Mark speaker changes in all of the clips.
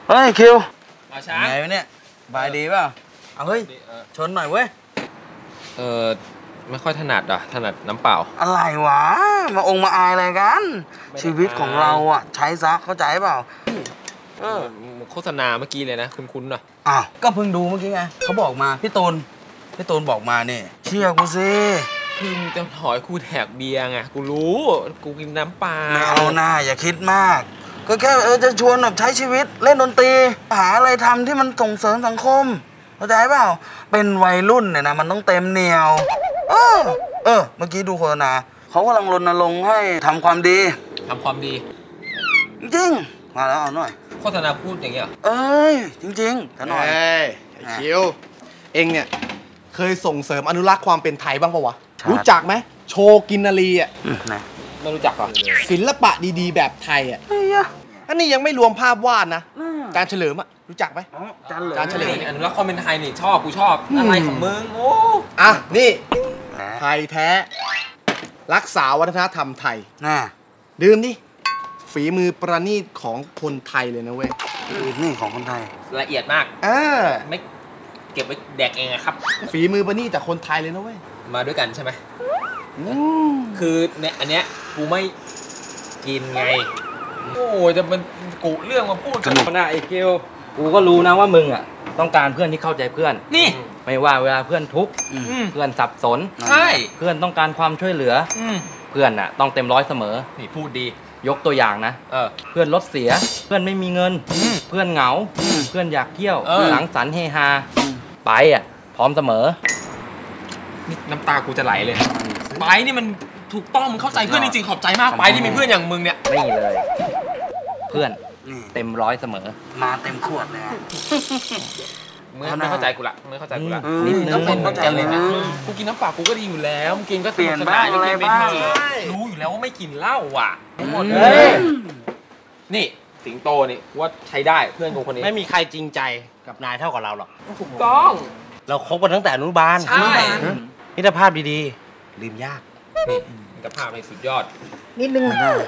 Speaker 1: เฮ้ยคิว
Speaker 2: ช้าง
Speaker 1: ไงวะเนี่ยบายดีเปล่าเอาเฮ้ยชนหน่อยเว้ย
Speaker 2: ไม่ค่อยถนัดอ่ะถนัดน้ำเปล่า
Speaker 1: อะไรวะมาองค์มาอายอะไรกันชีวิตของเราอ่ะใช้ซะเข้าใจเปล่า
Speaker 2: โฆษณาเมื่อกี้เลยนะคุ้นๆหน่อย
Speaker 1: อ้าวก็เพิ่งดูเมื่อกี้ไงเขาบอกมาพี่ตูนบอกมาเนี่ยเชื่อกูสิ
Speaker 2: คือมึงจะถอยกูแถกเบียร์ไงกูรู้กูกินน้ำเปล่า
Speaker 1: ไม่เอาหน้าอย่าคิดมากก็แค่จะชวนแบบใช้ชีวิตเล่นดนตรีหาอะไรทำที่มันส่งเสริมสังคมเข้าใจเปล่าเป็นวัยรุ่นเนี่ยนะมันต้องเต็มเหนียวเมื่อกี้ดูโฆษณาเขากำลังรณรงค์ให้ทำความดีจริงมาแล้วเอาหน่อย
Speaker 2: โฆษณาพูดอย่างเงี้ย
Speaker 1: จริงๆถ้าหน่อย
Speaker 3: คิวเองเนี่ยเคยส่งเสริมอนุรักษ์ความเป็นไทยบ้างปะวะรู้จักไหมโชกินนารีอ่ะ
Speaker 2: ไม่รู้จักหรอ
Speaker 3: ศิลปะดีๆแบบไทยอ่ะอันนี้ยังไม่รวมภาพวาดนะการเฉลิมอ่ะรู้จักไหม
Speaker 2: การเฉลิมอนุรักษ์ความเป็นไทยนี่กูชอบอะไรของมึงโอ้
Speaker 3: นี่ไทยแท้รักษาวัฒนธรรมไทยดื่มดิฝีมือประณีตของคนไทยเลยนะเว้ย
Speaker 1: นี่ของคนไทย
Speaker 2: ละเอียดมากไม่เก็บไว้แดกเองครับ
Speaker 3: ฝีมือประณีตจากคนไทยเลยนะเว้ย
Speaker 2: มาด้วยกันใช่ไหมคือเนี่ยอันเนี้ยกูไม่กินไงโอ้จะเป็นกูเรื่องมาพูด
Speaker 4: กันนะไอ้เกลกูก็รู้นะว่ามึงอ่ะต้องการเพื่อนที่เข้าใจเพื่อน
Speaker 2: นี่
Speaker 4: ไม่ว่าเวลาเพื่อนทุกข์เพื่อนสับสน
Speaker 2: ใช่
Speaker 4: เพื่อนต้องการความช่วยเหลือเพื่อนอ่ะต้องเต็มร้อยเสมอ
Speaker 2: นี่พูดดี
Speaker 4: ยกตัวอย่างนะเพื่อนรถเสียเพื่อนไม่มีเงินเพื่อนเหงาเพื่อนอยากเที่ยวสังสรรค์เฮฮาไปอ่ะพร้อมเสมอ
Speaker 2: นี่น้ำตากูจะไหลเลยไปนี่มันถูกต้องมึงเข้าใจเพื่อนจริงๆขอบใจมากไปที่มีเพื่อนอย่างมึงเนี่ย
Speaker 4: ไม่เลยเพื่อนเต็มร้อยเสมอ
Speaker 1: มาเต็มขวดเลย
Speaker 2: ไม่เข้าใจกูละนิดนึงต้องเข้าใจเลยนะกูกินน้ำเปล่ากูก็ดีอยู่แล้วมึงกินก็
Speaker 1: เปลี่ยนบ้างอะไรบ้าง
Speaker 2: รู้อยู่แล้วว่าไม่กินเหล้าอ่ะหมดนี่สิงโตนี่ว่าใช้ได้เพื่อนกูคนนี้
Speaker 3: ไม่มีใครจริงใจกับนายเท่ากับเราหรอก
Speaker 2: ถูกต้อง
Speaker 4: เราคบกันตั้งแต่อนุบาลมิตรภาพดีๆลืมยาก
Speaker 2: นี่มิตรภาพในสุดยอด
Speaker 4: นิดนึง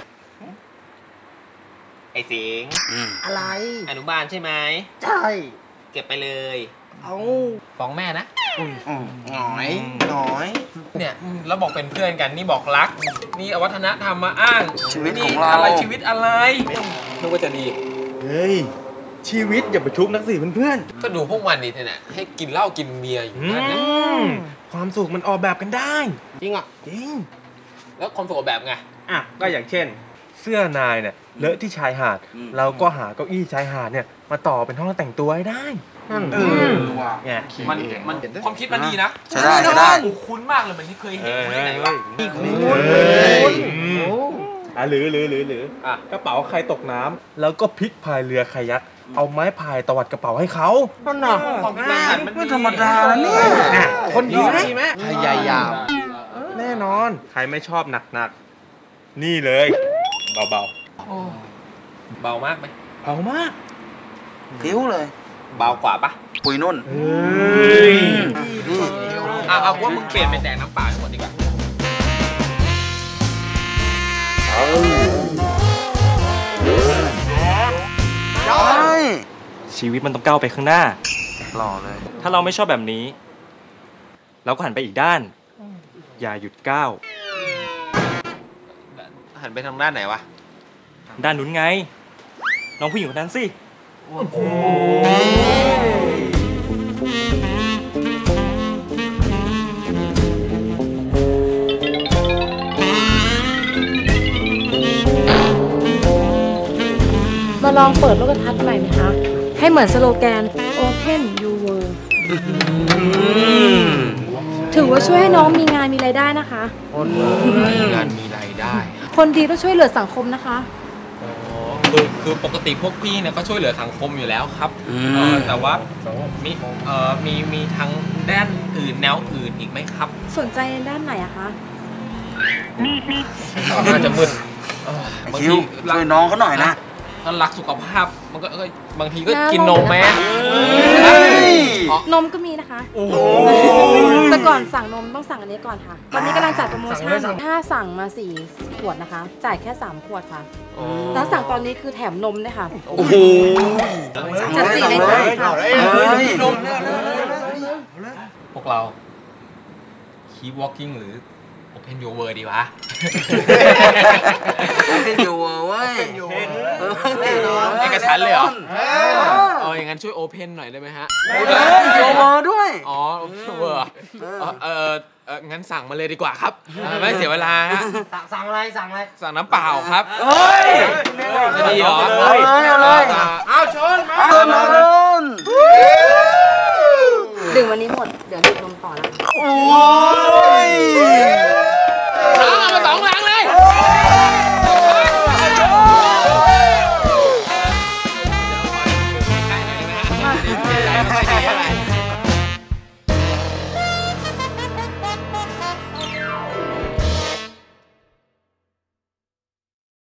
Speaker 2: ไอ้สิง
Speaker 4: อะไร
Speaker 2: อนุบาลใช่ไหม
Speaker 4: ใช่
Speaker 2: เก็บไปเลย
Speaker 4: เอา
Speaker 2: ฟ้องแม่นะ
Speaker 3: หน่อย
Speaker 2: เนี่ยแล้วบอกเป็นเพื่อนกันนี่บอกรักนี่วัฒนธรรมมาอ้าง
Speaker 1: ชีวิตของเรา
Speaker 2: อะไรชีวิตอะไรนึกว่าจะดี
Speaker 3: เฮ้ยชีวิตอย่าไปชุบนักสิเพื่อน
Speaker 2: ก็ดูพวกมันนี่เนี่ยให้กินเหล้ากินเบียร์อยู่นั่นนะ
Speaker 3: ความสุขมันออกแบบกันได้
Speaker 2: จริงอ่ะ
Speaker 3: จริง
Speaker 2: แล้วความสุขออกแบบไง
Speaker 3: ก็อย่างเช่นเสื้อนายเนี่ยเลอะที่ชายหาดเราก็หาเก้าอี้ชายหาดเนี่ยมาต่อเป็นห้องแต่งตัวให้ได้
Speaker 2: เนี่ยมันความคิดมันดีนะ
Speaker 1: ใช่ได้
Speaker 2: คุ้นมากเลยมันที่เคยเห็นที่ไหนวะ
Speaker 3: คุ้นหรือกระเป๋าใครตกน้ำแล้วก็พลิกพายเรือคายักเอาไม้พายตวัดกระเป๋าให้เขา
Speaker 1: นั่นน่ะ
Speaker 2: ความคิดมัน
Speaker 1: ไม่ธรรมดาแล้วเนี่ย
Speaker 3: คนดีไหมพยายามแน่นอนใครไม่ชอบหนักๆนี่เลยเบา
Speaker 2: มากไหม
Speaker 3: เบามาก
Speaker 1: ผิวเลย
Speaker 2: เบากว่าปะ
Speaker 1: ปุยนุ่น
Speaker 2: เอาว่ามึงเปลี่ยนเป็นแดงน้ำเปล่าทั้งหมดดีกว่า
Speaker 4: ชีวิตมันต้องก้าวไปข้างหน้า
Speaker 1: หล่อเลย
Speaker 4: ถ้าเราไม่ชอบแบบนี้เราก็หันไปอีกด้านอย่าหยุดก้าว
Speaker 2: หันไปทางด้านไหนวะ
Speaker 4: ด้านนู้นไงน้องผู้หญิงคนนั้นสิ
Speaker 5: มาลองเปิดโลกทัศน์ใหม่ไหมคะให้เหมือนสโลแกน Open Your World ถือว่าช่วยให้น้องมีงานมีรายได้นะคะ
Speaker 2: มีงานมีรายได้
Speaker 5: คนดีต้องช่วยเหลือสังคมนะคะ
Speaker 2: คือปกติพวกพี่เนี่ยก็ช่วยเหลือสังคมอยู่แล้วครับแต่ว่ามีทางด้านอื่นแนวอื่นอีกไหมครับ
Speaker 5: สนใจในด้านไหนอะคะ
Speaker 2: น่าจะมึน
Speaker 1: บางทีช่วยน้องเขาหน่อยนะ
Speaker 2: ถ้ารักสุขภาพมันก็บางทีก็กินนมแม่
Speaker 5: นมก็มีนะคะแต่ก่อนสั่งนมต้องสั่งอันนี้ก่อนค่ะวันนี้กำลังจัดโปรโมชั่นถ้าสั่งมา4 ขวดนะคะ จ่ายแค่3ขวดค่ะแล้วสั่งตอนนี้คือแถมนมด้วยค่ะ
Speaker 1: โอ้โห
Speaker 5: จัดสี่ในสามค่ะ
Speaker 2: พวกเรา keep walking หรือ open your world ดีวะ
Speaker 1: เป็นอยู่เว้ย
Speaker 2: เอกฉันท์เลยเหรอ อย่างนั้นช่วย open หน่อยได้ไหมฮะ
Speaker 1: โยโมด้วย
Speaker 2: อ๋อ open world งั้นสั่งมาเลยดีกว่าครับ ไม่เสียเวลาฮะ
Speaker 4: สั่งอะไรสั่งอะไร
Speaker 2: สั่งน้ำเปล่าครับ
Speaker 1: เฮ้ย
Speaker 2: จะดีเหรอ
Speaker 1: เอาเลย
Speaker 3: เอาชนมา
Speaker 1: เอาเลย
Speaker 5: ดื่มวันนี้หมด เดี๋ยวดื่มนมต่อแล้ว
Speaker 1: โอ้ย